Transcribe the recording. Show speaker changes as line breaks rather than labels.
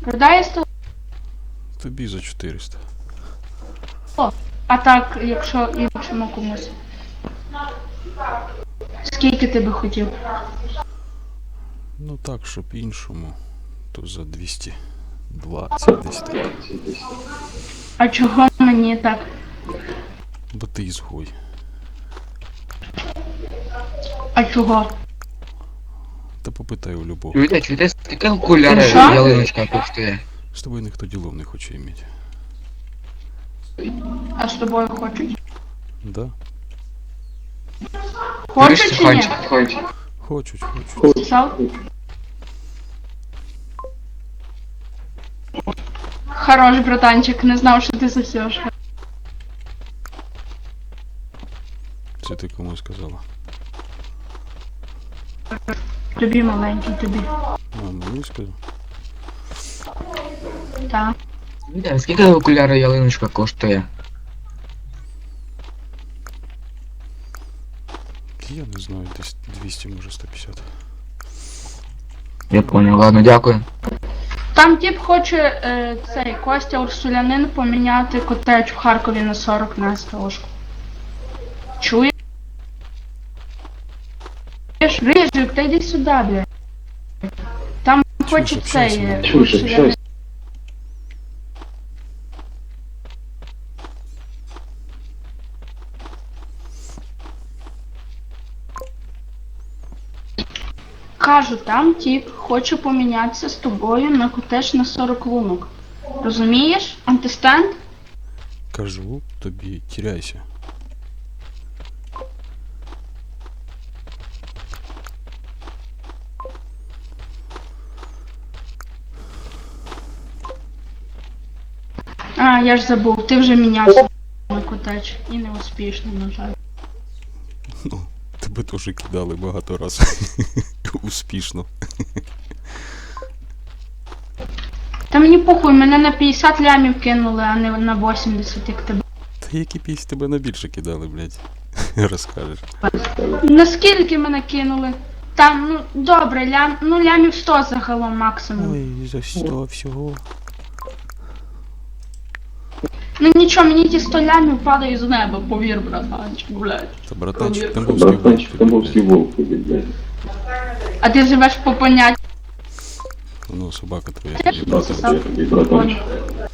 Продає 100.
Тобі за 400.
А так, якщо іншому комусь. Скільки ти би хотів?
Ну так, щоб іншому, то за 220 десь так.
А чого мені так?
Бо ти ізгой.
А чого?
Та попитай у любого.
Чуєте, скільки окуляри
Що?
ялиночка коштує?
З тобою ніхто ділов не хоче іметь.
А з тобою хочуть?
Да?
Хочуть чи ні?
Хочуть.
Писав? Хорош, братанчик, не знав, що ти засєш.
Це ти кому сказала?
Тобі маленький, тобі.
А, мені сказав?
Так.
Чуєте, скільки окуляри ялиночка коштує?
Я не знаю, десь 200, може 150.
Я понял, ладно, дякую.
Там тип хоче цей Костя Урсулянин поміняти котедж в Харкові на 40 на СТОшку. Чуєш? Рижик, та йди сюди, блядь. Там хоче
общайся,
цей
нормально.
Урсулянин. Кажу, там тип хоче помінятися з тобою на котедж на 40 лунок. Розумієш? Антистенд?
Кажу тобі, тіряйся.
А, я ж забув, ти вже мінявся на котедж. І не успішно, на жаль.
Ну, тебе теж кидали багато разів. Успішно.
Та мені похуй, мене на 50 лямів кинули, а не на 80, як тебе.
Та які пісні тебе на більше кидали, блядь. Розкажеш.
Наскільки мене кинули? Там, ну, добре, лямів 100 загалом максимум.
Ой, за 100 всього.
Ну нічого, мені ті 100 лямів падають з неба, повір, братанчик, блядь.
Та братанчик, Тамбовський волк, блядь.
А ти живеш по поняттю.
Ну, собака твоя,
Теж
тобі, братанчик.
писав.